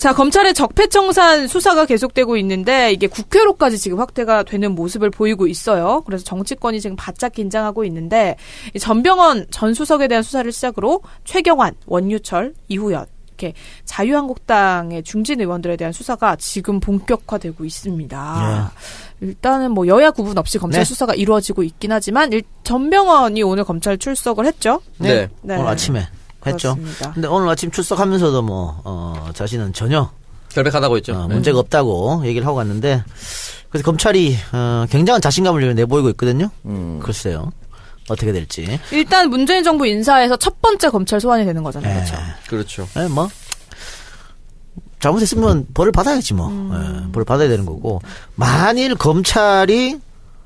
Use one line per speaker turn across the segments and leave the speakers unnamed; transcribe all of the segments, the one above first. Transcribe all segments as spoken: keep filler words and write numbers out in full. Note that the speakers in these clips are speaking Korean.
자, 검찰의 적폐청산 수사가 계속되고 있는데 이게 국회로까지 지금 확대가 되는 모습을 보이고 있어요. 그래서 정치권이 지금 바짝 긴장하고 있는데 이 전병헌 전 수석에 대한 수사를 시작으로 최경환, 원유철, 이후연 이렇게 자유한국당의 중진 의원들에 대한 수사가 지금 본격화되고 있습니다. 네. 일단은 뭐 여야 구분 없이 검찰 네. 수사가 이루어지고 있긴 하지만 일, 전병헌이 오늘 검찰 출석을 했죠.
네.
네.
오늘 아침에 했죠.
그렇습니다.
근데 오늘 아침 출석하면서도 뭐 어, 자신은 전혀
결백하다고 했죠.
어, 문제가 네. 없다고 얘기를 하고 갔는데 그래서 검찰이 어, 굉장한 자신감을 내보이고 있거든요. 음. 글쎄요. 어떻게 될지.
일단 문재인 정부 인사에서 첫 번째 검찰 소환이 되는 거잖아요.
네.
그렇죠.
그렇죠.
네, 뭐 잘못했으면 벌을 받아야지 뭐.
음.
네, 벌을 받아야 되는 거고. 만일 검찰이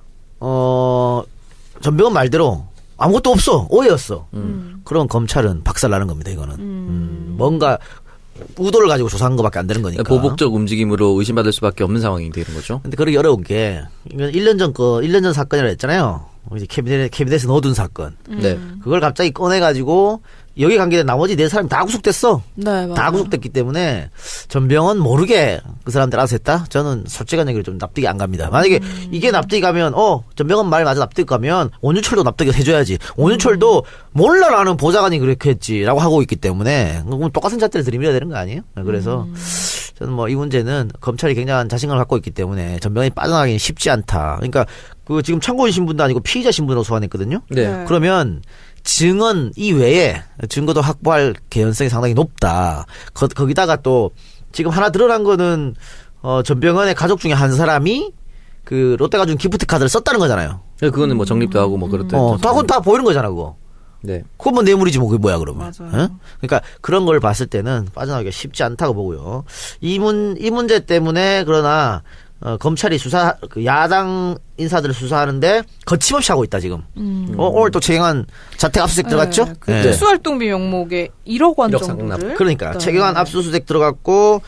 어 전병헌 말대로 아무것도 없어. 오해였어. 음. 그럼 검찰은 박살나는 겁니다. 이거는. 음. 음, 뭔가 의도를 가지고 조사한 것밖에 안 되는 거니까.
보복적 움직임으로 의심받을 수밖에 없는 상황이 되는 거죠.
근데 그러기 어려운 게 이건 일 년 전 거, 일 년 전 사건이라 했잖아요. 이제 캐비넷, 캐비넷에 넣어둔 사건.
음.
네.
그걸 갑자기 꺼내가지고 여기 관계된 나머지 네 사람이 다 구속됐어.
네, 맞아요.
다 구속됐기 때문에 전병헌 모르게 그 사람들 알아서 했다? 저는 솔직한 얘기로 좀 납득이 안 갑니다. 만약에 음. 이게 납득이 가면 어 전병헌 말 맞아 납득이 가면 원유철도 납득이 해줘야지. 원유철도 음. 몰라 나는 보좌관이 그렇게 했지라고 하고 있기 때문에 그럼 똑같은 잣대를 들이밀어야 되는 거 아니에요? 그래서 음. 저는 뭐 이 문제는 검찰이 굉장한 자신감을 갖고 있기 때문에 전병헌이 빠져나가기는 쉽지 않다. 그러니까 그 지금 참고인 신분도 아니고 피의자 신분으로 소환했거든요.
네.
그러면 증언 이외에 증거도 확보할 개연성이 상당히 높다. 거, 거기다가 또 지금 하나 드러난 거는 어, 전병헌의 가족 중에 한 사람이 그 롯데가 준 기프트 카드를 썼다는 거잖아요.
그거는 뭐 정립도 하고 뭐 그렇다.
어, 다, 그건 다 보이는 거잖아, 그거.
네.
그건 뭐 뇌물이지 뭐 그게 뭐야 그러면.
맞아요.
어? 그러니까 그런 걸 봤을 때는 빠져나가기가 쉽지 않다고 보고요. 이 문, 이 문제 때문에 그러나 어, 검찰이 수사, 그 야당 인사들을 수사하는데 거침없이 하고 있다, 지금. 음. 어, 오늘 또 최경환 자택 압수수색 들어갔죠?
네, 그
네.
특수활동비 명목에 일억 원
일억
정도를.
상납.
그러니까.
네.
최경환 압수수색 들어갔고,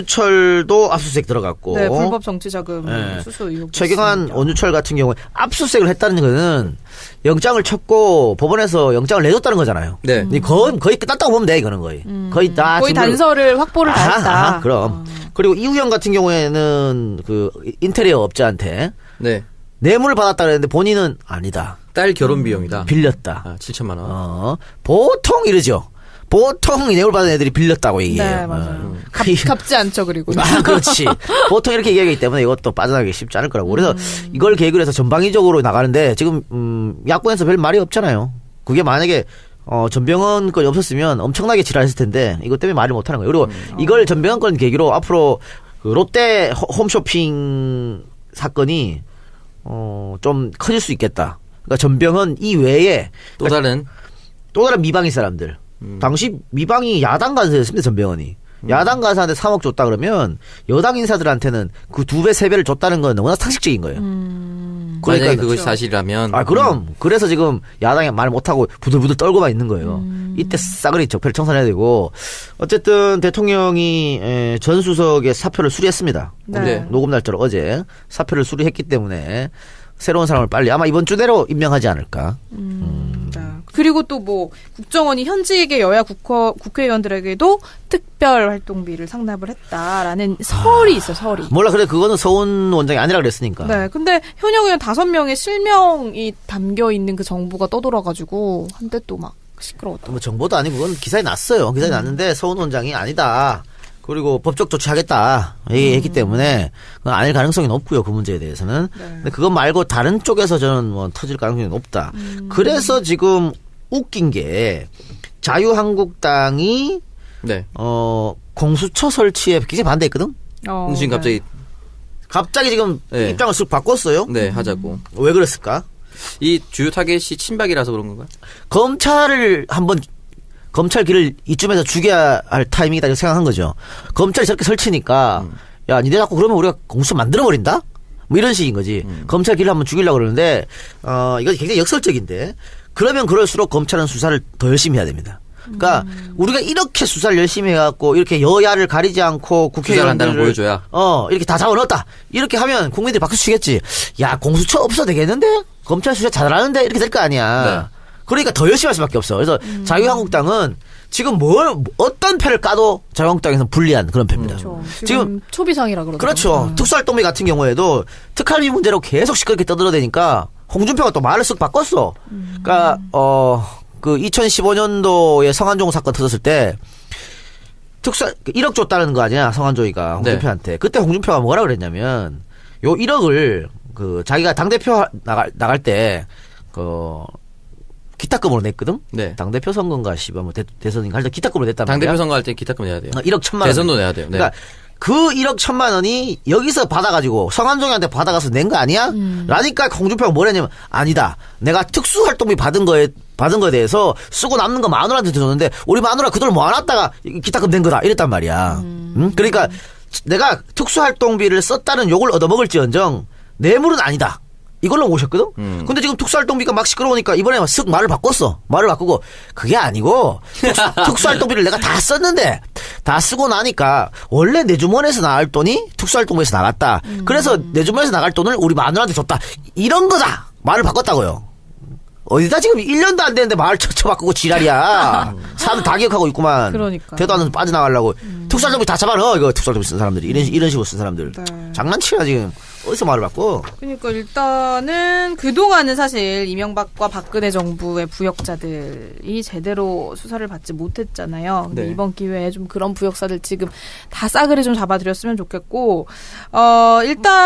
원유철도 압수수색 들어갔고.
네, 불법 정치자금
네.
수수 의혹.
최경환,
있습니다.
원유철 같은 경우에 압수수색을 했다는 거는 영장을 쳤고, 법원에서 영장을 내줬다는 거잖아요.
네.
음. 거의, 거의 끝났다고 보면 돼, 이거는 거의.
음.
거의 다.
거의
증거를-
단서를 확보를 다
아하,
했다.
아하, 그럼.
어.
그리고 이우영 같은 경우에는 그 인테리어 업자한테
네.
뇌물을 받았다 그랬는데 본인은 아니다.
딸 결혼 비용이다.
빌렸다.
아, 칠천만 원.
어, 보통 이러죠. 보통 뇌물 받은 애들이 빌렸다고 얘기해요.
네, 맞아요.
어.
갚, 갚지 않죠, 그리고.
아, 그렇지. 보통 이렇게 얘기하기 때문에 이것도 빠져나가기 쉽지 않을 거라고. 그래서 음. 이걸 계획을 해서 전방위적으로 나가는데 지금 음, 야권에서 별 말이 없잖아요. 그게 만약에 어, 전병헌 건이 없었으면 엄청나게 지랄했을 텐데 이것 때문에 말을 못하는 거예요. 그리고 음. 이걸 전병헌 건 계기로 앞으로 그 롯데 홈쇼핑 사건이 어, 좀 커질 수 있겠다. 그러니까 전병헌 이외에
또 다른
또 다른 미방인 사람들. 음. 당시 미방이 야당 간사였습니다. 전병헌이. 음. 야당 간사한테 삼억 줬다 그러면 여당 인사들한테는 그 두 배, 세 배를 줬다는 건 워낙 상식적인 거예요.
음.
그러니까 만약에 그것이
그렇죠.
사실이라면.
아, 그럼. 음. 그래서 지금 야당이 말 못하고 부들부들 떨고만 있는 거예요.
음.
이때 싸그리 적폐를 청산해야 되고. 어쨌든 대통령이 전 수석의 사표를 수리했습니다.
네.
녹음 날짜로 어제 사표를 수리했기 때문에 새로운 사람을 빨리 아마 이번 주 내로 임명하지 않을까.
음. 음. 네. 그리고 또 뭐 국정원이 현직의 여야 국회, 국회의원들에게도 특별 활동비를 상납을 했다라는 설이 있어, 설이.
몰라, 그래, 그거는 서훈 원장이 아니라 그랬으니까.
네, 근데 현역 의원 다섯 명의 실명이 담겨 있는 그 정보가 떠돌아가지고 한때 또 막 시끄러웠다.
뭐 정보도 아니고 그건 기사에 났어요. 기사에 음. 났는데 서훈 원장이 아니다. 그리고 법적 조치하겠다 얘기했기 음. 때문에 그건 아닐 가능성이 높고요. 그 문제에 대해서는. 네. 근데 그것 말고 다른 쪽에서 저는 뭐 터질 가능성이 높다. 음. 그래서 지금 웃긴 게 자유한국당이
네.
어 공수처 설치에 굉장히 반대했거든.
어, 지금 갑자기
네. 갑자기 지금
네.
입장을 쓱 바꿨어요.
네, 하자고.
왜 그랬을까?
이 주요 타겟이 친박이라서 그런 건가요?
검찰을 한번 검찰 길을 이쯤에서 죽여야 할 타이밍이다 이렇게 생각한 거죠. 검찰이 저렇게 설치니까 음. 야, 니네 자꾸 그러면 우리가 공수처 만들어버린다? 뭐 이런 식인 거지. 음. 검찰 길을 한번 죽이려고 그러는데 어 이거 굉장히 역설적인데 그러면 그럴수록 검찰은 수사를 더 열심히 해야 됩니다. 그러니까 음. 우리가 이렇게 수사를 열심히 해갖고 이렇게 여야를 가리지 않고 국회의원들을
보여줘야
어 이렇게 다 잡아넣었다 이렇게 하면 국민들이 박수 치겠지. 야, 공수처 없어도 되겠는데 검찰 수사 잘하는데 이렇게 될 거 아니야. 네. 그러니까 더 열심히 할 수밖에 없어. 그래서 음. 자유한국당은 지금 뭘 어떤 패를 까도 자유한국당에서는 불리한 그런 패입니다.
그렇죠. 지금,
지금
초비상이라 그러죠.
그렇죠. 음. 특수활동비 같은 경우에도 특활비 문제로 계속 시끄럽게 떠들어대니까 홍준표가 또 말을 쓱 바꿨어. 음. 그러니까 어 그 이천십오 년도에 성한종 사건 터졌을 때 특수 일억 줬다는 거 아니야 성한종이가 홍준표한테. 네. 그때 홍준표가 뭐라 그랬냐면 요 일억을 그 자기가 당 대표 나갈 나갈 때 그 기타금으로 냈거든.
네.
당 대표 선거인가 씨발 뭐 대, 대선인가 할 때 기타금으로 냈단
당
말이야.
대표 선거 할 때 기타금 내야 돼요.
어, 일억 천만 원.
대선도 내야 돼요. 네.
그러니까 그 일억 천만 원이 여기서 받아가지고 성한종이한테 받아가서 낸 거 아니야? 음. 라니까 홍준표가 뭐랬냐면 아니다. 내가 특수활동비 받은 거에 받은 거에 대해서 쓰고 남는 거 마누라한테 줬는데 우리 마누라 그 돈을 모아놨다가 기타금 낸 거다 이랬단 말이야. 음. 응? 그러니까 내가 특수활동비를 썼다는 욕을 얻어먹을지언정 뇌물은 아니다. 이걸로 오셨거든? 음. 근데 지금 특수활동비가 막 시끄러우니까 이번에 쓱 말을 바꿨어. 말을 바꾸고 그게 아니고 특수, 특수활동비를 내가 다 썼는데 다 쓰고 나니까 원래 내 주머니에서 나갈 돈이 특수활동비에서 나갔다. 음. 그래서 내 주머니에서 나갈 돈을 우리 마누라한테 줬다. 이런 거다. 말을 바꿨다고요. 어디다 지금 일 년도 안 됐는데 말을 쳐쳐 바꾸고 지랄이야. 사람들 다 기억하고 있구만.
그러니까.
대도 안 해서 빠져나가려고. 음. 특수활동비 다 잡아넣어. 이거 특수활동비 쓴 사람들이. 이런, 이런 식으로 쓴 사람들. 네. 장난치야 지금. 어디서 말을 바꿔?
그러니까 일단은 그동안은 사실 이명박과 박근혜 정부의 부역자들이 제대로 수사를 받지 못했잖아요. 근데 네. 이번 기회에 좀 그런 부역사들 지금 다 싸그리 좀 잡아들였으면 좋겠고, 어,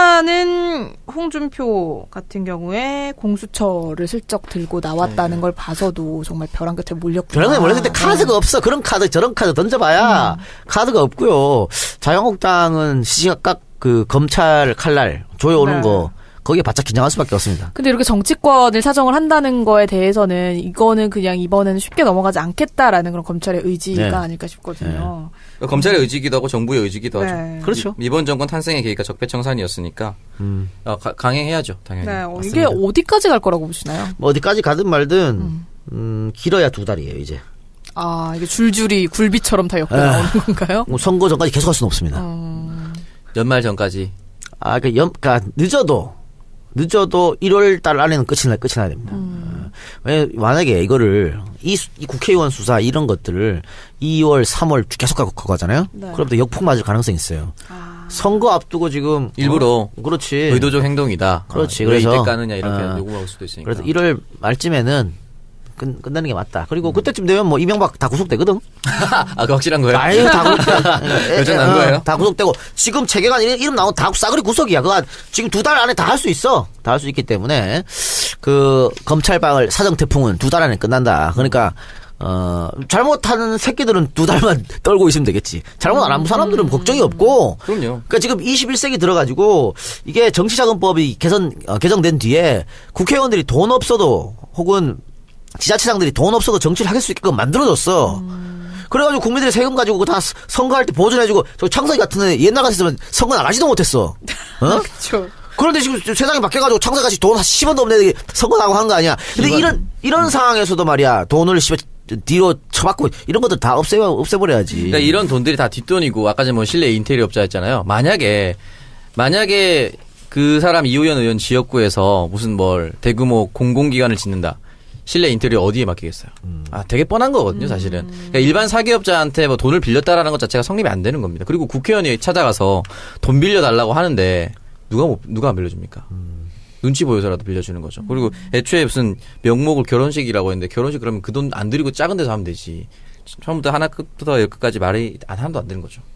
일단은 홍준표 같은 경우에 공수처를 슬쩍 들고 나왔다는 네. 걸 봐서도 정말 벼랑 끝에 몰렸구나.
벼랑 끝에 몰렸을 때 카드가 네. 없어. 그런 카드, 저런 카드 던져봐야 음. 카드가 없고요. 자유한국당은 시시각각 그 검찰 칼날 조여오는 네. 거 거기에 바짝 긴장할 수밖에 없습니다.
근데 이렇게 정치권을 사정을 한다는 거에 대해서는 이거는 그냥 이번에는 쉽게 넘어가지 않겠다라는 그런 검찰의 의지가 네. 아닐까 싶거든요.
네. 검찰의 의지기도 하고 정부의 의지기도
네.
하죠.
그렇죠.
이번 정권 탄생의 계기가 적폐청산이었으니까 음. 어, 가, 강행해야죠. 당연히.
네. 어, 이게 어디까지 갈 거라고 보시나요?
뭐 어디까지 가든 말든 음. 음, 길어야 두 달이에요 이제.
아 이게 줄줄이 굴비처럼 다 엮여 나오는 건가요?
뭐 선거 전까지 계속 할 수는 없습니다.
음.
연말 전까지.
아, 그 연, 그니까 늦어도 늦어도 일월 달 안에는 끝이 나 끝이 나야 됩니다.
음.
왜 만약에 이거를 이, 이 국회의원 수사 이런 것들을 이월, 삼월 계속 가고 가잖아요. 네. 그럼 또 역풍 맞을 가능성이 있어요.
아.
선거 앞두고 지금
일부러
어, 그렇지
의도적 행동이다.
그렇지.
아,
그래서
왜 이때 까느냐 이렇게
어,
요구할 수도 있으니까.
그래서 일월 말쯤에는 끝, 끝나는 게 맞다. 그리고 음. 그때쯤 되면 뭐 이명박 다 구속되거든.
아, 그 확실한 거예요?
아유, 다 구속돼.
여전한 거예요?
다 구속되고 지금 체계관 이름, 이름 나온 다 싸그리 구속이야. 그거 지금 두 달 안에 다 할 수 있어. 다 할 수 있기 때문에 그 검찰방을 사정 태풍은 두 달 안에 끝난다. 그러니까 어 잘못하는 새끼들은 두 달만 떨고 있으면 되겠지. 잘못 안 한 사람들은 음. 걱정이 없고.
그럼요.
그러니까 지금 이십일 세기 들어가지고 이게 정치자금법이 개선 어, 개정된 뒤에 국회의원들이 돈 없어도 혹은 지자체장들이 돈 없어도 정치를 할 수 있게끔 만들어줬어. 음. 그래가지고 국민들이 세금 가지고 다 선거할 때 보존해주고 저 창석이 같은 애 옛날 같았으면 선거 나가지도 못했어. 어?
그렇죠.
그런데 지금 세상이 바뀌어가지고 창석이 같이 돈 한 십 원도 없는 애들이 선거 나가고 한 거 아니야. 근데 이번, 이런 이런 음. 상황에서도 말이야 돈을 씹어 뒤로 쳐박고 이런 것들 다 없애 없애버려야지.
그러니까 이런 돈들이 다 뒷돈이고 아까 전에 뭐 실내 인테리어 업자 했잖아요. 만약에 만약에 그 사람 이호연 의원 지역구에서 무슨 뭘 대규모 공공기관을 짓는다. 실내 인테리어 어디에 맡기겠어요? 음. 아, 되게 뻔한 거거든요, 사실은. 그러니까 일반 사기업자한테 뭐 돈을 빌렸다라는 것 자체가 성립이 안 되는 겁니다. 그리고 국회의원이 찾아가서 돈 빌려달라고 하는데 누가 못, 누가 안 빌려줍니까? 음. 눈치 보여서라도 빌려주는 거죠. 그리고 애초에 무슨 명목을 결혼식이라고 했는데 결혼식 그러면 그 돈 안 들이고 작은 데서 하면 되지. 처음부터 하나 끝부터 열끝까지 말이 하나도 안 되는 거죠.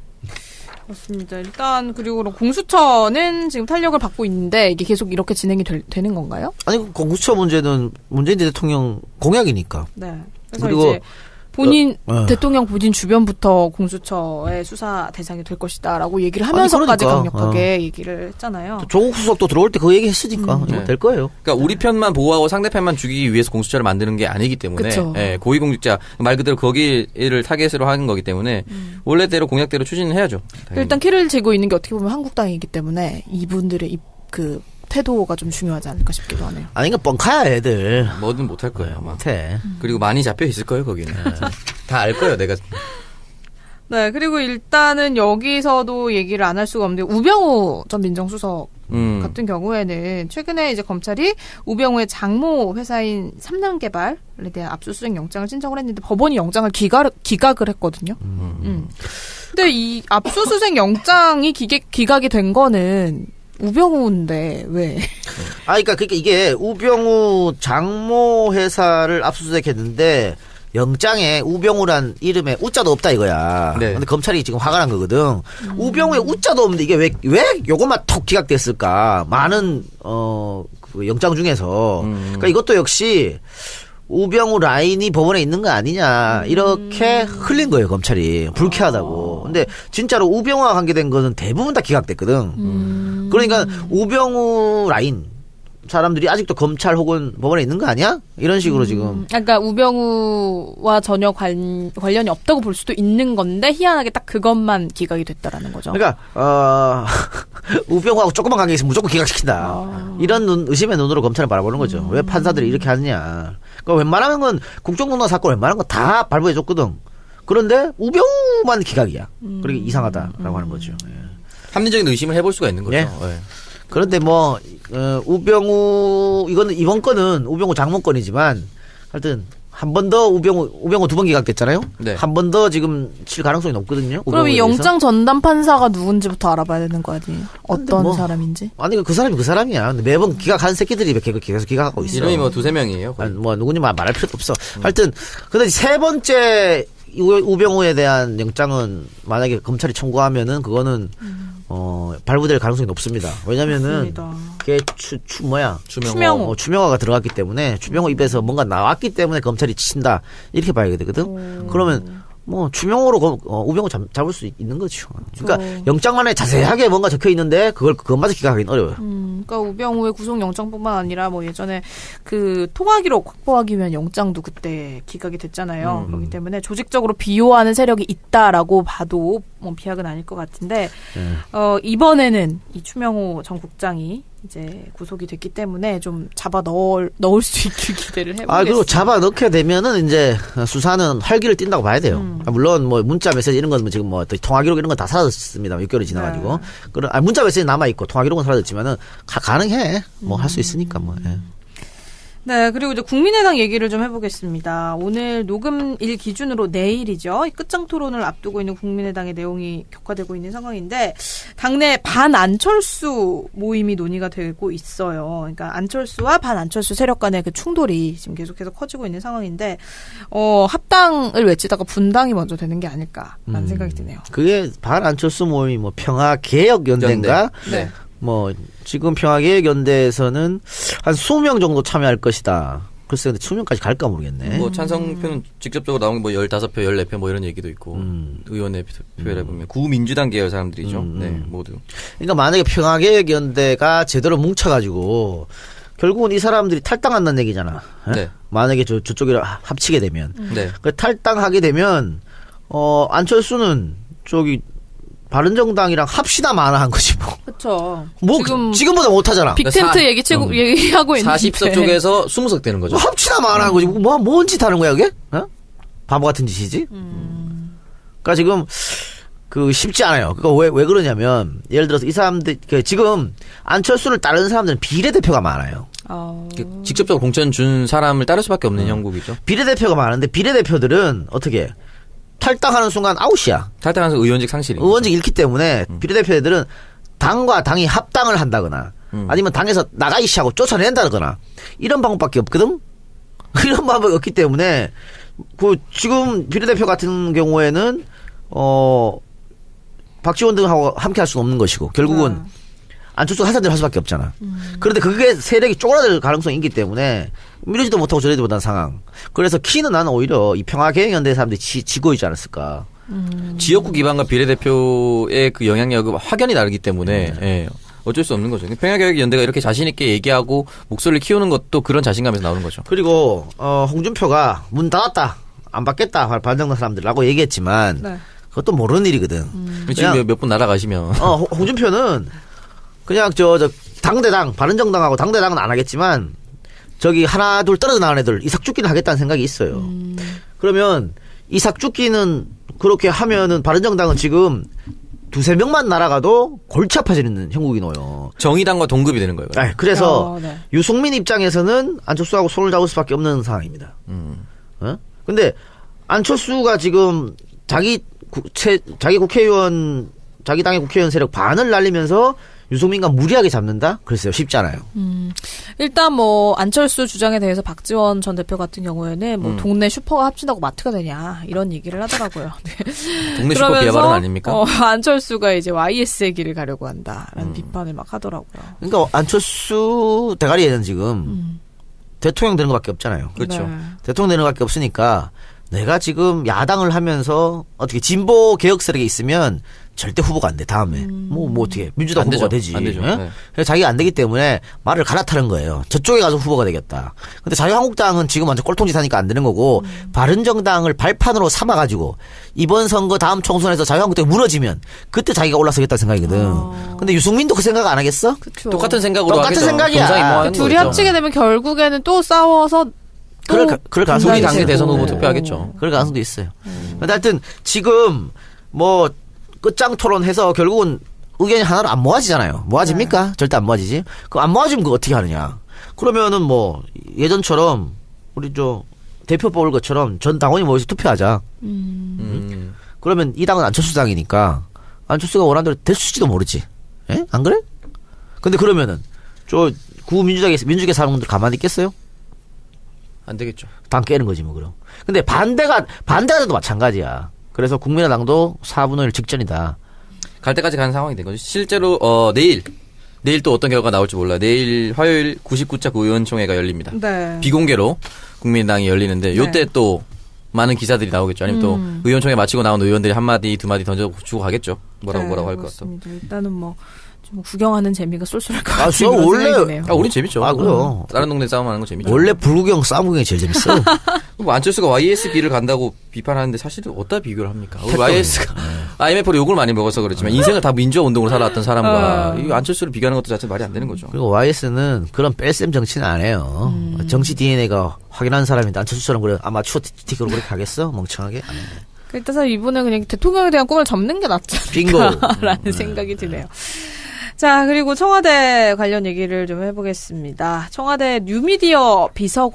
그렇습니다. 일단 그리고 공수처는 지금 탄력을 받고 있는데 이게 계속 이렇게 진행이 될, 되는 건가요?
아니 공수처 문제는 문재인 대통령 공약이니까.
네. 그래서 그리고 이제 본인 어, 어. 대통령 본인 주변부터 공수처의 수사 대상이 될 것이다라고 얘기를 하면서까지
아니, 그러니까.
강력하게
어.
얘기를 했잖아요.
조국 수석도 들어올 때 그 얘기 했으니까 음. 이거
네.
될 거예요.
그러니까 우리 편만 보호하고 상대편만 죽이기 위해서 공수처를 만드는 게 아니기 때문에 예, 고위공직자 말 그대로 거기를 타겟으로 하는 거기 때문에 음. 원래대로 공약대로 추진을 해야죠. 당연히.
일단 키를 쥐고 있는 게 어떻게 보면 한국당이기 때문에 이분들의 이, 그 태도가 좀 중요하지 않을까 싶기도 하네요.
아니, 그러니까 뻥카야 애들.
뭐든 못할 거예요. 아마.
못해.
그리고 많이 잡혀 있을 거예요 거기는. 다 알 거예요 내가.
네, 그리고 일단은 여기서도 얘기를 안 할 수가 없는데 우병우 전 민정수석
음.
같은 경우에는 최근에 이제 검찰이 우병우의 장모 회사인 삼남개발에 대한 압수수색 영장을 신청을 했는데 법원이 영장을 기각, 기각을 했거든요. 음. 음. 근데 이 압수수색 영장이 기각, 기각이 된 거는 우병우인데 왜?
아, 그러니까 그러니까 이게 우병우 장모 회사를 압수수색했는데 영장에 우병우란 이름에 우자도 없다 이거야.
네.
근데 검찰이 지금 화가 난 거거든.
음.
우병우에 우자도 없는데 이게 왜 왜 요것만 톡 기각됐을까? 많은 어 그 영장 중에서.
음.
그러니까 이것도 역시 우병우 라인이 법원에 있는 거 아니냐 이렇게 흘린 거예요 검찰이. 불쾌하다고. 근데 진짜로 우병우와 관계된 거는 대부분 다 기각됐거든.
음.
그러니까 우병우 라인 사람들이 아직도 검찰 혹은 법원에 있는 거 아니야? 이런 식으로 지금.
그러니까 우병우와 전혀 관, 관련이 없다고 볼 수도 있는 건데 희한하게 딱 그것만 기각이 됐다라는 거죠.
그러니까 어 우병우하고 조금만 관계 있으면 무조건 기각시킨다.
아.
이런 눈, 의심의 눈으로 검찰을 바라보는 거죠.
음.
왜 판사들이 이렇게 하느냐. 그러니까 웬만하면 건 국정농단 사건 웬만한 거 다 발부해줬거든. 그런데 우병우만 기각이야.
음.
그러니까 이상하다라고 하는 거죠. 예.
합리적인 의심을 해볼 수가 있는 거죠.
예.
예.
그런데 뭐 어, 우병우 이거는 이번 건은 우병우 장모 건이지만 하여튼 한 번 더 우병우 우병우 두 번 기각됐잖아요.
네.
한 번 더 지금 칠 가능성이 높거든요.
그럼 이
우병우에 대해서.
영장 전담 판사가 누군지부터 알아봐야 되는 거 아니에요? 어떤
뭐,
사람인지?
아니 그 사람이 그 사람이야. 근데 매번 기각하는 새끼들이 계속 계속 기각하고 있어.
이름이 뭐 두세 명이에요. 거의.
아니, 뭐 누군지 말- 말할 필요도 없어. 하여튼 근데 세 번째 우- 우병우에 대한 영장은 만약에 검찰이 청구하면은 그거는 어 발부될 가능성이 높습니다. 왜냐면은
맞습니다.
그게 추, 추 뭐야
추명호.
추명호.
어, 추명화가 들어갔기 때문에 추명호 입에서 뭔가 나왔기 때문에 검찰이 친다 이렇게 봐야 되거든. 그러면 뭐 추명호로 거- 어, 우병우 잡, 잡을 수 있는 거죠. 그러니까
그렇죠.
영장만에 자세하게 뭔가 적혀 있는데 그걸 그것마저 기각하기는 어려워요.
음, 그러니까 우병우의 구속영장뿐만 아니라 뭐 예전에 그 통화기록 확보하기 위한 영장도 그때 기각이 됐잖아요.
음.
그렇기 때문에 조직적으로 비호하는 세력이 있다라고 봐도 뭐 비약은 아닐 것 같은데
네.
어, 이번에는 이 추명호 전 국장이 이제 구속이 됐기 때문에 좀 잡아 넣을, 넣을 수 있길 기대를 해보겠습니다.
아, 그리고 잡아 넣게 되면은 이제 수사는 활기를 띈다고 봐야 돼요.
음.
아, 물론 뭐 문자 메시지 이런 건 지금 뭐 통화 기록 이런 건 다 사라졌습니다. 육 개월이 지나가지고.
네.
그런 아, 문자 메시지 남아 있고 통화 기록은 사라졌지만은 가, 가능해. 뭐 할 수 있으니까 뭐. 예.
네, 그리고 이제 국민의당 얘기를 좀 해보겠습니다. 오늘 녹음일 기준으로 내일이죠. 이 끝장 토론을 앞두고 있는 국민의당의 내용이 격화되고 있는 상황인데, 당내 반안철수 모임이 논의가 되고 있어요. 그러니까 안철수와 반안철수 세력 간의 그 충돌이 지금 계속해서 커지고 있는 상황인데, 어, 합당을 외치다가 분당이 먼저 되는 게 아닐까라는
음.
생각이 드네요.
그게 반안철수 모임이 뭐 평화개혁연대인가?
네.
뭐 지금 평화개혁연대에서는 한 이십 명 정도 참여할 것이다. 글쎄 근데 이십 명까지 갈까 모르겠네.
뭐 찬성표는 직접적으로 나온 게 뭐 열다섯 표, 열네 표 뭐 이런 얘기도 있고
음.
의원의 표를 보면 구민주당 계열 사람들이죠.
음.
네, 모두.
그러니까 만약에 평화개혁연대가 제대로 뭉쳐가지고 결국은 이 사람들이 탈당한다는 얘기잖아. 예?
네.
만약에 저, 저쪽이랑 합치게 되면.
네.
그 탈당하게 되면, 어, 안철수는 저기, 바른정당이랑 합시다 마나한 거지, 뭐.
그렇죠.
뭐,
지금
지금보다 못하잖아.
빅텐트
사-
얘기 치고
음.
얘기하고 있는데
사십 석 쪽에서 이십 석 되는 거죠.
뭐 합시다 마나한 거지. 뭐, 뭔 짓 하는 거야, 그게? 어? 바보 같은 짓이지?
음.
그러니까 지금, 그, 쉽지 않아요. 그거 왜, 왜 그러냐면, 예를 들어서 이 사람들, 그 지금, 안철수를 따르는 사람들은 비례대표가 많아요.
어.
그 직접적으로 공천 준 사람을 따를 수밖에 없는 형국이죠.
비례대표가 많은데, 비례대표들은 어떻게, 탈당하는 순간 아웃이야.
탈당해서 의원직 상실이.
의원직 잃기 때문에 비례대표들은 당과 당이 합당을 한다거나
음.
아니면 당에서 나가이씨 하고 쫓아낸다거나 이런 방법밖에 없거든. 이런 방법이 없기 때문에 그 지금 비례대표 같은 경우에는 어 박지원 등하고 함께 할 수는 없는 것이고 결국은
아.
안철수가 하사대로 할 수밖에 없잖아. 그런데 그게 세력이 쪼그라들 가능성이 있기 때문에 미루지도 못하고 저러지도 못한 상황. 그래서 키는 나는 오히려 이 평화개혁연대 사람들이 지, 지고 있지 않았을까.
지역구 기반과 비례대표의 그 영향력은 확연히 다르기 때문에 예, 어쩔 수 없는 거죠. 평화개혁연대가 이렇게 자신 있게 얘기하고 목소리를 키우는 것도 그런 자신감에서 나오는 거죠.
그리고 어, 홍준표가 문 닫았다 안 받겠다 반정당 사람들라고 얘기했지만
네.
그것도 모르는 일이거든.
지금 몇 분 날아가시면
어, 홍- 홍준표는 그냥 저 저 당대당 바른정당하고 당대당은 안 하겠지만 저기 하나 둘 떨어져 나간 애들 이삭 죽기는 하겠다는 생각이 있어요. 그러면 이삭 죽기는 그렇게 하면은 바른정당은 지금 두세 명만 날아가도 골치 아파지는 형국이 놓여.
정의당과 동급이 되는 거예요.
네, 그래서
어, 네.
유승민 입장에서는 안철수하고 손을 잡을 수밖에 없는 상황입니다.
음.
어? 근데 안철수가 지금 자기 구, 채, 자기 국회의원 자기 당의 국회의원 세력 반을 날리면서 유승민과 무리하게 잡는다? 글쎄요, 쉽지 않아요.
음, 일단 뭐 안철수 주장에 대해서 박지원 전 대표 같은 경우에는 뭐
음.
동네 슈퍼가 합친다고 마트가 되냐 이런 얘기를 하더라고요. 네.
동네 슈퍼 비하 발언 아닙니까?
어, 안철수가 이제 와이에스의 길을 가려고 한다라는
음.
비판을 막 하더라고요.
그러니까 안철수 대가리에는 지금
음.
대통령 되는 것밖에 없잖아요.
그렇죠.
네.
대통령 되는 것밖에 없으니까 내가 지금 야당을 하면서 어떻게 진보 개혁 세력에 있으면 절대 후보가 안 돼. 다음에 뭐 뭐 어떻게 민주당
안
후보가
되죠.
되지.
안 되죠.
예?
네.
그래서 자기가 안 되기 때문에 말을 갈아타는 거예요. 저쪽에 가서 후보가 되겠다. 근데 자유한국당은 지금 완전 꼴통짓 하니까 안 되는 거고
음.
바른정당을 발판으로 삼아가지고 이번 선거 다음 총선에서 자유한국당이 무너지면 그때 자기가 올라서겠다 생각이거든.
어.
근데 유승민도 그 생각 안 하겠어?
그쵸.
똑같은 생각으로
똑같은
하겠죠.
생각이야.
동상이몽하는
그 둘이
거죠.
합치게 되면 결국에는 또 싸워서 또
그럴 가- 그럴 가능성이
우리
분단이
당내
있어요.
대선 후보
되고.
투표하겠죠.
그럴 가능성도 있어요. 근데 하여튼 지금 뭐 끝장 토론해서 결국은 의견이 하나로 안 모아지잖아요. 모아집니까?
네.
절대 안 모아지지. 그 안 모아지면 그거 어떻게 하느냐. 그러면은 뭐 예전처럼 우리 저 대표 뽑을 것처럼 전 당원이 모여서 투표하자.
음.
음.
그러면 이 당은 안철수 당이니까 안철수가 원하는 대로 될수지도 모르지. 예? 안 그래? 근데 그러면은 저 구민주당에 민주계 사람들 가만히 있겠어요?
안 되겠죠.
당 깨는 거지 뭐 그럼. 근데 반대가 반대가 돼도 마찬가지야. 그래서 국민의당도 사분의 일 직전이다.
갈 때까지 가는 상황이 된 거죠. 실제로 어 내일 내일 또 어떤 결과가 나올지 몰라요. 내일 화요일 구십구 차 구의원총회가 열립니다.
네.
비공개로 국민당이 열리는데 요때
네.
또 많은 기사들이 나오겠죠. 아니면 또
음.
의원총회 마치고 나온 의원들이 한마디 두마디 던져주고 가겠죠. 뭐라고
네,
뭐라고 할 것 같아.
그렇습니다. 일단은 뭐 좀 구경하는 재미가 쏠쏠할 것
아,
같은
저
그런
원래-
생각이 드네요.
아, 우리 재밌죠.
아, 그래요.
다른 동네 싸움하는 거 재밌죠.
원래 불구경 싸움 구경이 제일 재밌어.
뭐 안철수가 와이에스 길을 간다고 비판하는데 사실은 어디다 비교를 합니까? 우리 와이에스가 아이엠에프로 욕을 많이 먹어서 그렇지만 인생을 다 민주화 운동으로 살아왔던 사람과
어.
이 안철수를 비교하는 것도 자체 말이 안 되는 거죠.
그리고 와이에스는 그런 뺄셈 정치는 안 해요.
음.
정치 디엔에이가 확인한 사람인데 안철수처럼 그래 아마추어 티티로 그렇게 하겠어? 멍청하게? 안 해.
일단 이분은 그냥 대통령에 대한 꿈을 접는 게 낫지
빙고.
않을까라는 생각이 드네요. 자, 그리고 청와대 관련 얘기를 좀 해보겠습니다. 청와대 뉴미디어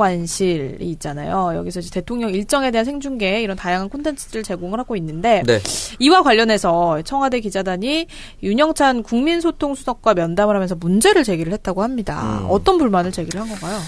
비서관실이 있잖아요. 여기서 이제 대통령 일정에 대한 생중계 이런 다양한 콘텐츠를 제공을 하고 있는데
네.
이와 관련해서 청와대 기자단이 윤영찬 국민소통수석과 면담을 하면서 문제를 제기를 했다고 합니다.
음.
어떤 불만을 제기를 한 건가요?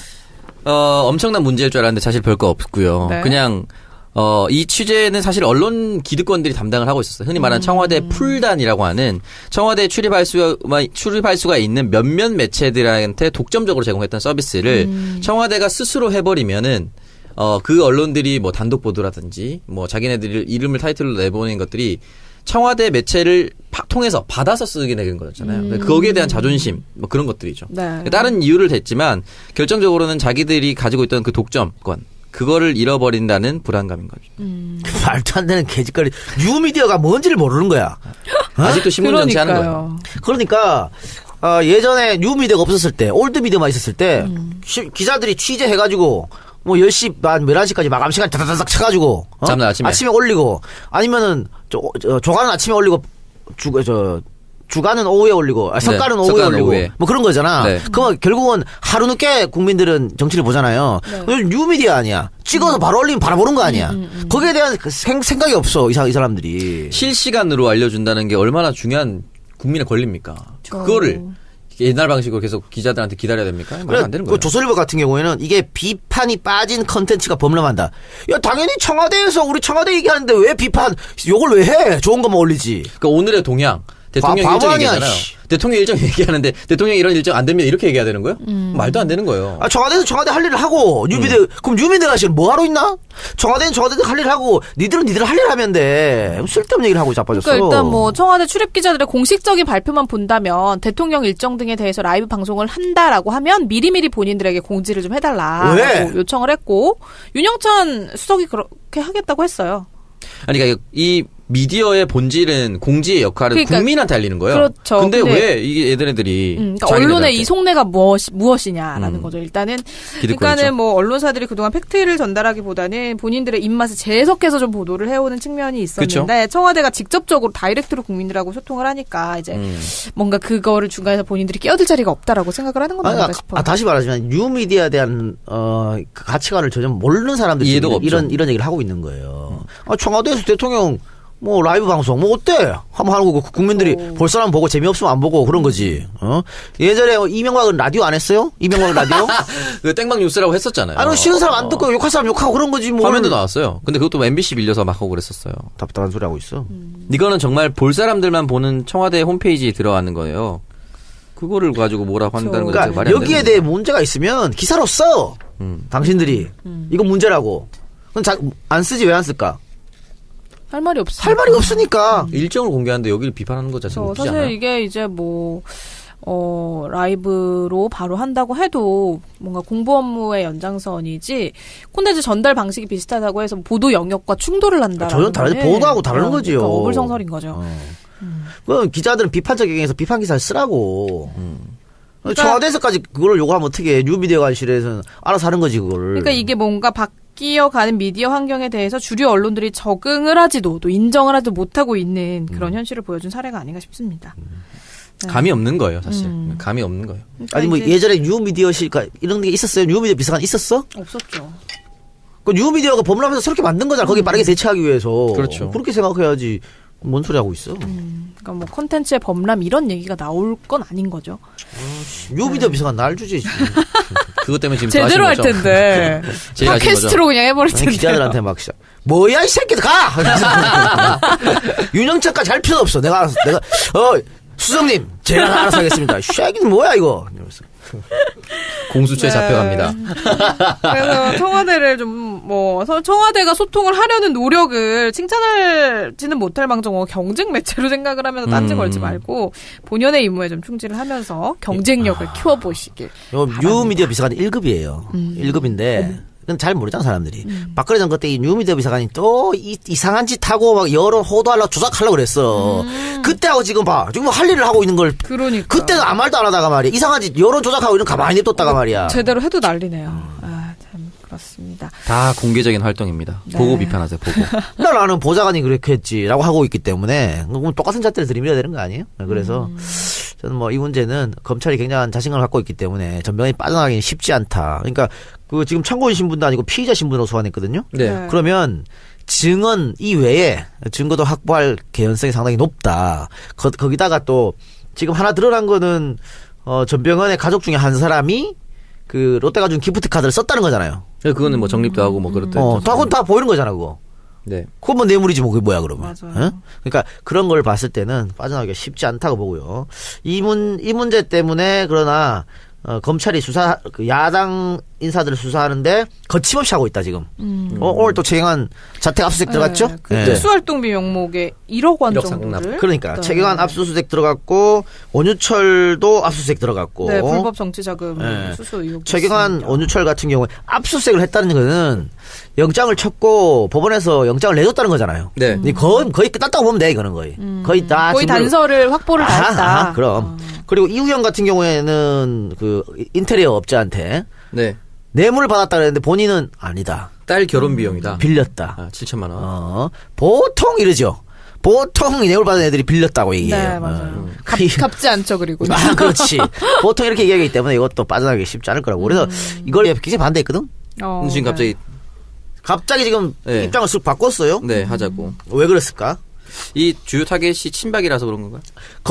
어, 엄청난 문제일 줄 알았는데 사실 별거 없고요.
네.
그냥 어, 이 취재는 사실 언론 기득권들이 담당을 하고 있었어요. 흔히 말하는 청와대 풀단이라고 하는 청와대에 출입할 수, 출입할 수가 있는 몇몇 매체들한테 독점적으로 제공했던 서비스를
음.
청와대가 스스로 해버리면은 어, 그 언론들이 뭐 단독 보도라든지 뭐 자기네들 이름을 타이틀로 내보낸 것들이 청와대 매체를 파, 통해서 받아서 쓰게 되는 거였잖아요.
음.
거기에 대한 자존심 뭐 그런 것들이죠.
네.
다른 이유를 댔지만 결정적으로는 자기들이 가지고 있던 그 독점권 그거를 잃어버린다는 불안감인 거죠.
음.
말도 안 되는 개짓거리. 뉴미디어가 뭔지를 모르는 거야.
아직도 신문 정치하는 거예요.
그러니까요.
그러니까 어, 예전에 뉴미디어가 없었을 때 올드미디어만 있었을 때
음.
시- 기자들이 취재해가지고 뭐 열 시 반 열한 시까지 마감 시간 다다닥 쳐가지고 어?
다음날 아침에.
올리고 아니면은 저, 저 조간은 아침에 올리고 주, 저 주간은 오후에 올리고 아, 석가는
네,
오후에
석가는
올리고
오후에.
뭐 그런 거잖아.
네.
그럼 결국은 하루 늦게 국민들은 정치를 보잖아요.
네.
요즘 뉴미디어 아니야. 찍어서 바로 올리면 바로 보는 거 아니야. 거기에 대한 그 생, 생각이 없어 이, 사, 이 사람들이.
실시간으로 알려준다는 게 얼마나 중요한 국민의 권리입니까?
저-
그거를 옛날 방식으로 계속 기자들한테 기다려야 됩니까? 말이 안 되는
그
거예요.
조선일보 같은 경우에는 이게 비판이 빠진 컨텐츠가 범람한다. 야 당연히 청와대에서 우리 청와대 얘기하는데 왜 비판 욕을 왜 해? 좋은 것만 올리지.
그러니까 오늘의 동향. 대통령
바-
일정
바보 아니야,
얘기하잖아요.
씨.
대통령 일정 얘기하는데 대통령 이런 일정 안 되면 이렇게 얘기해야 되는 거예요?
음.
말도 안 되는 거예요.
아 청와대에서 청와대 할 일을 하고 뉴미디어 그럼 뉴미디어가 지금 뭐 하러 있나? 청와대는 청와대도 할 일을 하고 니들은 니들 할 일 하면 돼. 쓸데없는 얘기를 하고 자빠졌어.
그러니까 일단 뭐 청와대 출입 기자들의 공식적인 발표만 본다면 대통령 일정 등에 대해서 라이브 방송을 한다라고 하면 미리미리 본인들에게 공지를 좀 해달라고
왜?
요청을 했고 윤영찬 수석이 그렇게 하겠다고 했어요.
아니, 그러니까 이 미디어의 본질은 공지의 역할은
그러니까,
국민한테 알리는 거예요.
그렇죠.
근데,
근데
왜 이게 얘네들이
음, 그러니까 언론의 이 속내가 무엇, 무엇이냐라는
음.
거죠. 일단은
기득권이죠.
그러니까는 뭐 언론사들이 그동안 팩트를 전달하기보다는 본인들의 입맛에 재해석해서 좀 보도를 해오는 측면이 있었는데 그쵸? 청와대가 직접적으로 다이렉트로 국민들하고 소통을 하니까 이제
음.
뭔가 그거를 중간에서 본인들이 끼어들 자리가 없다라고 생각을 하는 건
아니,
아닌가
아,
싶어요.
아, 다시 말하지만 뉴미디어에 대한 어, 그 가치관을 전혀 모르는 사람들이
이해도가
지금 이런
없죠.
이런 얘기를 하고 있는 거예요. 아, 청와대에서 대통령 뭐 라이브 방송 뭐 어때? 한번 하는 거고 국민들이
오.
볼 사람 보고 재미없으면 안 보고 그런 거지. 어? 예전에 이명박은 라디오 안 했어요? 이명박 라디오?
그 땡방 뉴스라고 했었잖아요.
아니 싫은 사람 안
어.
듣고 욕할 사람 욕하고 그런 거지 뭐.
화면도 나왔어요. 근데 그것도 엠비씨 빌려서 막 하고 그랬었어요.
답답한 소리 하고 있어.
음.
이거는 정말 볼 사람들만 보는 청와대 홈페이지에 들어가는 거예요. 그거를 가지고 뭐라고 한다는 건
그러니까
말이 안
여기에
되는
대해 문제가 있으면 기사로 써.
음.
당신들이 이건 문제라고. 그럼 자, 안 쓰지 왜 안 쓸까?
할 말이 없어.
할 말이 없으니까.
일정을 공개하는데 여기를 비판하는 거 자체가
저
웃기지
사실
않아요?
이게 이제 뭐, 어, 라이브로 바로 한다고 해도 뭔가 공부 업무의 연장선이지 콘텐츠 전달 방식이 비슷하다고 해서 보도 영역과 충돌을 한다.
전혀 다르지. 보도하고 다른 거지요.
그러니까 어불성설인 거죠.
어. 그럼 기자들은 비판적 경향에서 비판 기사를 쓰라고.
그러니까-
청와대에서까지 그걸 요구하면 어떻게 해. 뉴미디어 관실에서는 알아서 하는 거지 그거를.
그러니까 이게 뭔가 바뀌어가는 미디어 환경에 대해서 주류 언론들이 적응을 하지도 또 인정을 하지도 못하고 있는 그런 현실을 보여준 사례가 아닌가 싶습니다. 네.
감이 없는 거예요, 사실.
음.
감이 없는 거예요.
그러니까
아니 뭐
이제
예전에 뉴미디어실 이런 게 있었어요. 뉴미디어 비서관 있었어?
없었죠.
그 뉴미디어가 법률하면서 새롭게 만든 거잖아. 거기 빠르게 대처하기 위해서.
그렇죠.
그렇게 생각해야지. 뭔 소리 하고 있어?
음, 그러니까 뭐 콘텐츠의 범람 이런 얘기가 나올 건 아닌 거죠.
뉴미디어 비서관 날 주지.
그것 때문에 지금
제대로
또
할
하신 거죠?
텐데.
제일 하신
팟캐스트로 그냥 해버릴
아니,
텐데.
기자들한테 막 시작. 뭐야 이 새끼들 가! 윤영철까지 할 필요 없어. 내가 알아서 내가 어 수석님 제가 알아서 하겠습니다. 쉐기는 뭐야 이거. 이러면서.
공수처에
네.
잡혀갑니다.
그래서 청와대를 좀 뭐 청와대가 소통을 하려는 노력을 칭찬할지는 못할 망정 뭐 경쟁 매체로 생각을 하면서 딴지
음.
걸지 말고 본연의 임무에 좀 충실을 하면서 경쟁력을 키워보시길.
요
바랍니다.
뉴미디어 비서관이 일 급이에요. 일 급인데 그건 잘 모르잖아 사람들이. 박근혜 전 그때 이 뉴미디어 비서관이 또 이, 이상한 짓 하고 막 여론 호도하려고 조작하려고 그랬어. 그때하고 지금 봐. 지금 할 일을 하고 있는 걸
그러니까.
그때는 아무 말도 안 하다가 말이야. 이상한 짓 여론 조작하고 이런 거 가만히 냅뒀다가 말이야.
제대로 해도 난리네요. 아, 참 그렇습니다.
다 공개적인 활동입니다.
네.
보고 비판하세요, 보고.
나 나는 보좌관이 그렇게 했지라고 하고 있기 때문에 그럼 똑같은 잣대를 들이밀어야 되는 거 아니에요? 그래서
음.
저는 뭐 이 문제는 검찰이 굉장한 자신감을 갖고 있기 때문에 전병이 빠져나가기는 쉽지 않다. 그러니까 그 지금 참고인 신분도 아니고 피의자 신분으로 소환했거든요.
네.
네.
그러면 증언 이외에 증거도 확보할 개연성이 상당히 높다. 거, 거기다가 또 지금 하나 드러난 거는 어, 전병헌의 가족 중에 한 사람이 그 롯데가 준 기프트 카드를 썼다는 거잖아요.
그거는 뭐 정립도 하고 뭐 그렇다.
어, 다, 그건 다 보이는 거잖아, 그거.
네.
그건 뭐 뇌물이지 뭐 그게 뭐야 그러면.
맞아요.
어? 그러니까 그런 걸 봤을 때는 빠져나가기가 쉽지 않다고 보고요. 이 문 이 문제 때문에 그러나 어, 검찰이 수사 그 야당 인사들을 수사하는데 거침없이 하고 있다 지금.
음.
어, 오늘 또 최경환 자택 압수수색 들어갔죠?
네, 그
네.
특수활동비 명목에 일억 원
일억
정도를.
상납.
그러니까
네.
최경환 압수수색 들어갔고 원유철도 압수수색 들어갔고.
네, 불법 정치자금
네.
수수 의혹.
최경환 원유철 같은 경우에 압수수색을 했다는 것은 영장을 쳤고 법원에서 영장을 내줬다는 거잖아요.
네.
이 거의 거의 끝났다고 보면 돼 이거는 거의. 거의 다
음. 거의
지금
단서를 확보를 다
아하,
했다.
아하, 그럼. 그리고 이우영 같은 경우에는 그 인테리어 업자한테
네.
뇌물을 받았다 그랬는데 본인은 아니다.
딸 결혼 비용이다.
빌렸다.
아, 칠천만 원.
어, 보통 이러죠. 보통 뇌물 받은 애들이 빌렸다고 얘기해요.
네, 맞아요.
어.
갚, 갚지 않죠, 그리고.
아, 그렇지. 보통 이렇게 얘기하기 때문에 이것도 빠져나가기 쉽지 않을 거라고. 그래서 이걸 굉장히 반대했거든.
어,
지금
네.
갑자기
갑자기 지금
네.
입장을 쓱 바꿨어요.
네 하자고.
왜 그랬을까?
이 주요 타겟이 친박이라서 그런 건가요?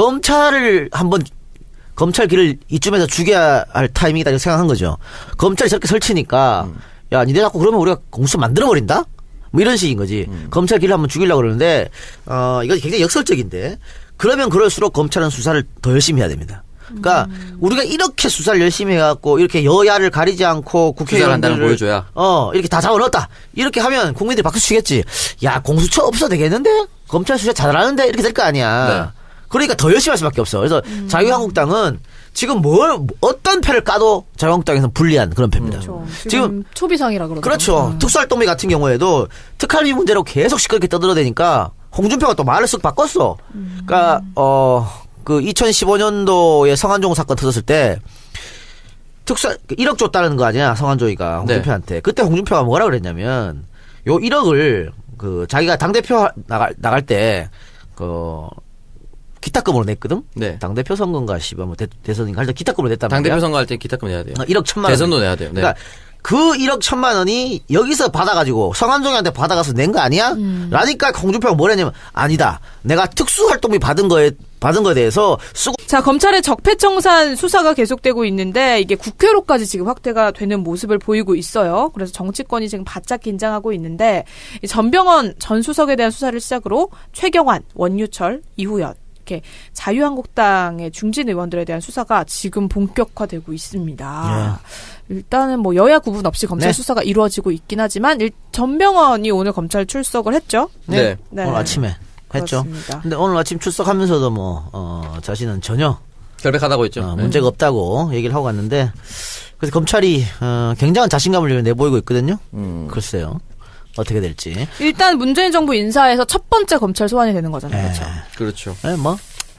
검찰을 한번 검찰 길을 이쯤에서 죽여야 할 타이밍이다 이렇게 생각한 거죠. 검찰이 저렇게 설치니까
음.
야 니네 자꾸 그러면 우리가 공수 만들어 버린다. 뭐 이런 식인 거지.
음.
검찰 길을 한번 죽이려고 그러는데 어 이거 굉장히 역설적인데 그러면 그럴수록 검찰은 수사를 더 열심히 해야 됩니다. 그러니까
음.
우리가 이렇게 수사를 열심히 해갖고 이렇게 여야를 가리지 않고
수사를 한다는
국회의원들을
걸 보여줘야.
어 이렇게 다 잡아넣었다 이렇게 하면 국민들이 박수 치겠지. 야 공수처 없어도 되겠는데 검찰 수사 잘하는데 이렇게 될 거 아니야.
네.
그러니까 더 열심히 할 수밖에 없어. 그래서 자유한국당은 지금 뭘 어떤 패를 까도 자유한국당에서는 불리한 그런 패입니다.
그렇죠. 지금,
지금
초비상이라 그러죠.
그렇죠. 특수활동비 같은 경우에도 특활비 문제로 계속 시끄럽게 떠들어대니까 홍준표가 또 말을 쓱 바꿨어. 그러니까 어 그 이천십오 년도에 성한종 사건 터졌을 때 특수 일억 줬다는 거 아니야 성한종이가 홍준표한테. 네. 그때 홍준표가 뭐라 그랬냐면 요 일억을 그 자기가 당 대표 나갈 나갈 때 그 기타금으로 냈거든.
네.
당 대표 선거인가 씨발 뭐 대, 대선인가 할 때 기타금으로 냈단
당
말이야.
대표 선거 할 때 기타금 내야 돼요.
어, 일억 천만 원.
대선도 내야 돼요. 네.
그러니까 그 일억 천만 원이 여기서 받아가지고 성한종이한테 받아가서 낸 거 아니야? 음. 라니까 홍준표가 뭐랬냐면 아니다. 내가 특수활동비 받은 거에 받은 거에 대해서 쓰고.
자, 검찰의 적폐청산 수사가 계속되고 있는데 이게 국회로까지 지금 확대가 되는 모습을 보이고 있어요. 그래서 정치권이 지금 바짝 긴장하고 있는데 이 전병헌 전 수석에 대한 수사를 시작으로 최경환, 원유철, 이후연 이렇게 자유한국당의 중진 의원들에 대한 수사가 지금 본격화되고 있습니다. 예. 일단은 뭐 여야 구분 없이 검찰 네. 수사가 이루어지고 있긴 하지만 일, 전병헌이 오늘 검찰 출석을 했죠.
네. 네. 오늘 아침에 했죠.
그렇습니다.
근데 오늘 아침 출석하면서도 뭐 어, 자신은 전혀
결백하다고 했죠.
어, 문제가 없다고 얘기를 하고 갔는데 그래서 검찰이 어, 굉장한 자신감을 내보이고 있거든요. 음. 글쎄요. 어떻게 될지.
일단 문재인 정부 인사에서 첫 번째 검찰 소환이 되는 거잖아요.
네.
그렇죠.
그렇죠.
네, 뭐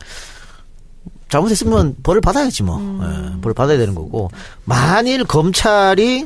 잘못했으면 벌을 받아야지 뭐.
음.
네, 벌을 받아야 되는 거고. 만일 검찰이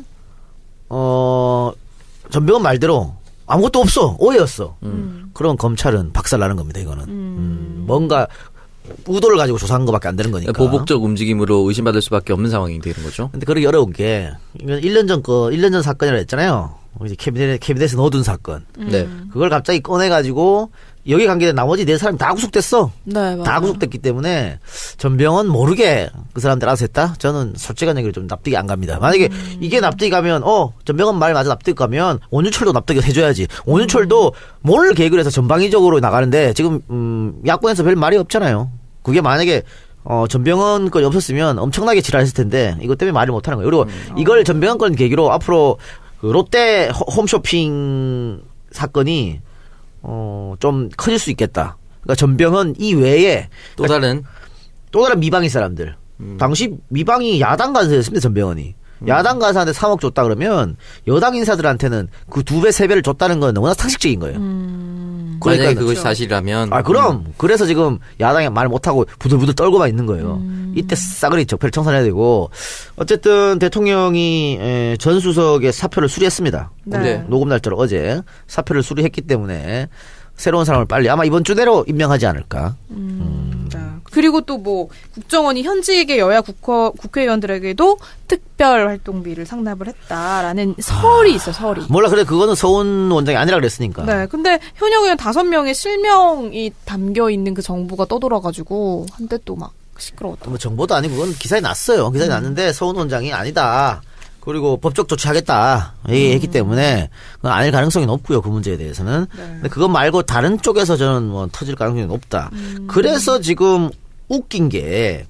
어 전병헌 말대로 아무것도 없어 오해였어. 음. 그럼 검찰은 박살나는 겁니다. 이거는 음. 음, 뭔가 의도를 가지고 조사한 것밖에 안 되는 거니까.
보복적 움직임으로 의심받을 수밖에 없는 상황이 되는 거죠.
근데 그러기 어려운 게 이건 일 년 전 거 일 년 전 사건이라 했잖아요. 이제 캐비넷 캐비넷에 넣어둔 사건.
음.
네.
그걸 갑자기 꺼내가지고 여기 관계된 나머지 네 사람이 다 구속됐어.
네,
다 구속됐기 때문에 전병헌 모르게 그 사람들 알아서 했다? 저는 솔직한 얘기로 좀 납득이 안 갑니다. 만약에 음. 이게 납득이 가면 어 전병헌 말 맞아 납득이 가면 원유철도 납득이 해줘야지. 원유철도 뭘 계획을 해서 전방위적으로 나가는데 지금 음, 야권에서 별 말이 없잖아요. 그게 만약에 어, 전병헌 건이 없었으면 엄청나게 지랄했을 텐데 이것 때문에 말을 못하는 거예요. 그리고 음. 이걸 전병헌 건 계기로 앞으로 그 롯데 홈쇼핑 사건이 어, 좀 커질 수 있겠다. 그러니까 전병헌 이외에
또 다른
또 다른 미방인 사람들. 음. 당시 미방이 야당 간사였습니다. 전병헌이. 음. 야당 간사한테 삼억 줬다 그러면 여당 인사들한테는 그 두 배, 세 배를 줬다는 건 너무나 상식적인 거예요.
음.
그러니까 만약에 그것이 사실이라면.
아, 그럼. 음. 그래서 지금 야당이 말 못하고 부들부들 떨고만 있는 거예요. 음. 이때 싸그리 적폐를 청산해야 되고. 어쨌든 대통령이 전 수석의 사표를 수리했습니다.
네.
녹음 날짜로 어제 사표를 수리했기 때문에 새로운 사람을 빨리 아마 이번 주 내로 임명하지 않을까.
음. 음. 네. 그리고 또 뭐 국정원이 현직의 여야 국회, 국회의원들에게도 특별 활동비를 상납을 했다라는 설이 아. 있어 설이.
몰라 그래 그거는 서훈 원장이 아니라 그랬으니까.
네. 근데 현역 의원 다섯 명의 실명이 담겨 있는 그 정부가 떠돌아가지고 한때 또 막 시끄러웠다.
뭐 정보도 아니고 그건 기사에 났어요. 기사에 음. 났는데 서훈 원장이 아니다. 그리고 법적 조치하겠다 얘기했기 음. 때문에 그건 아닐 가능성이 높고요. 그 문제에 대해서는. 네. 근데 그것 말고 다른 쪽에서 저는 뭐 터질 가능성이 높다. 음. 그래서 지금 웃긴 게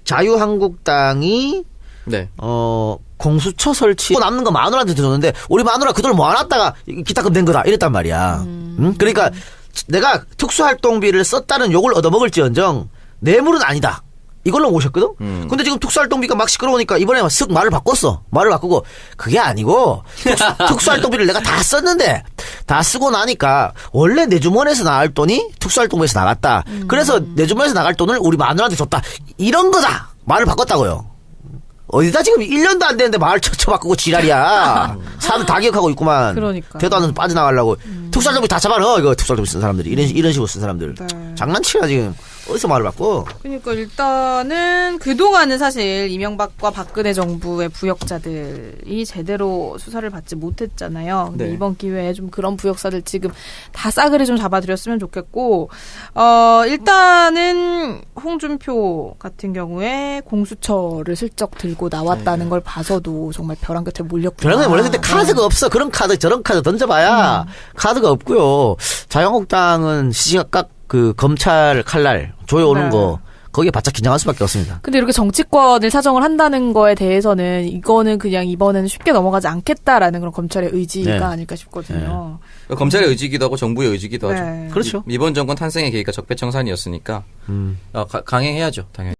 자유한국당이
네.
어 공수처 설치 남는 거 마누라한테 줬는데 우리 마누라 그 돈을 모아놨다가 기타금 낸 거다 이랬단 말이야. 음. 응? 그러니까 내가 특수활동비를 썼다는 욕을 얻어먹을지언정 뇌물은 아니다. 이걸로 오셨거든? 음. 근데 지금 특수활동비가 막 시끄러우니까 이번에 쓱 말을 바꿨어. 말을 바꾸고, 그게 아니고, 특수, 특수활동비를 내가 다 썼는데, 다 쓰고 나니까, 원래 내 주머니에서 나갈 돈이 특수활동비에서 나갔다. 음. 그래서 내 주머니에서 나갈 돈을 우리 마누라한테 줬다. 이런 거다! 말을 바꿨다고요. 어디다 지금 일 년도 안 되는데 말을 쳐쳐 바꾸고 지랄이야. 사람들 다 기억하고 있구만.
그러니까.
대도 않아서 빠져나가려고. 음. 특수활동비 다 잡아넣어, 이거 특수활동비 쓴 사람들이. 이런, 이런 식으로 쓴 사람들.
네.
장난치야, 지금. 어디서 말을 바꿔?
그러니까 일단은 그동안은 사실 이명박과 박근혜 정부의 부역자들이 제대로 수사를 받지 못했잖아요. 근데 네. 이번 기회에 좀 그런 부역사들 지금 다 싸그리 좀 잡아들였으면 좋겠고, 어, 일단은 홍준표 같은 경우에 공수처를 슬쩍 들고 나왔다는 네. 걸 봐서도 정말 벼랑 끝에 몰렸구나.
벼랑 끝에 몰렸을 때 카드가 네. 없어. 그런 카드, 저런 카드 던져봐야 음. 카드가 없고요. 자유한국당은 시시각각 그 검찰 칼날 조여오는 네. 거 거기에 바짝 긴장할 수밖에 없습니다.
근데 이렇게 정치권을 사정을 한다는 거에 대해서는 이거는 그냥 이번에는 쉽게 넘어가지 않겠다라는 그런 검찰의 의지가 네. 아닐까 싶거든요.
네. 검찰의 의지기도 하고 정부의 의지기도
네.
하죠.
그렇죠.
이번 정권 탄생의 계기가 적폐청산이었으니까 음. 어, 가, 강행해야죠, 당연히.